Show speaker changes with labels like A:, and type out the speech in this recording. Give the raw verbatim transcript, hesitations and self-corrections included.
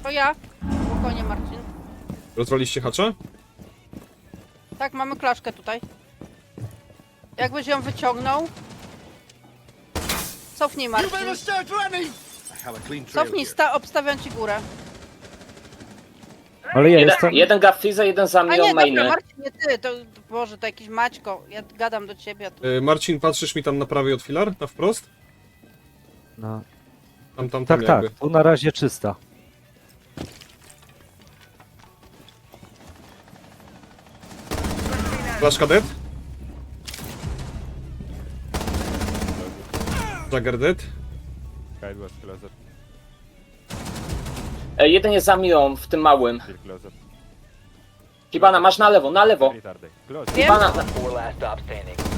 A: To ja. Spokojnie, Marcin.
B: Rozwaliście hacza?
A: Tak, mamy klaszkę tutaj. Jakbyś ją wyciągnął... Cofnij, Marcin. Cofnij, sta obstawiam ci górę.
C: Ale ja
D: Jeden,
C: jestem...
D: jeden gap Fiza, jeden za
A: A nie,
D: Mią
A: dobra,
D: mainy.
A: Marcin, nie ty, to... Boże, to jakiś Maćko. Ja gadam do ciebie. Tu.
B: Y, Marcin, patrzysz mi tam na prawej od filar? Na wprost?
C: No.
B: Tam, tam, tam
C: Tak,
B: jakby.
C: tak, tu na razie czysta.
B: Flash dead. Jagger dead.
E: Guide was closer,
D: E, jeden jest za Mią, w tym małym.
E: still closer.
D: Kibana, masz na lewo, na lewo.
E: Retarded. Close.
A: Wiem?
D: Kibana, na...
F: Four last stop standing.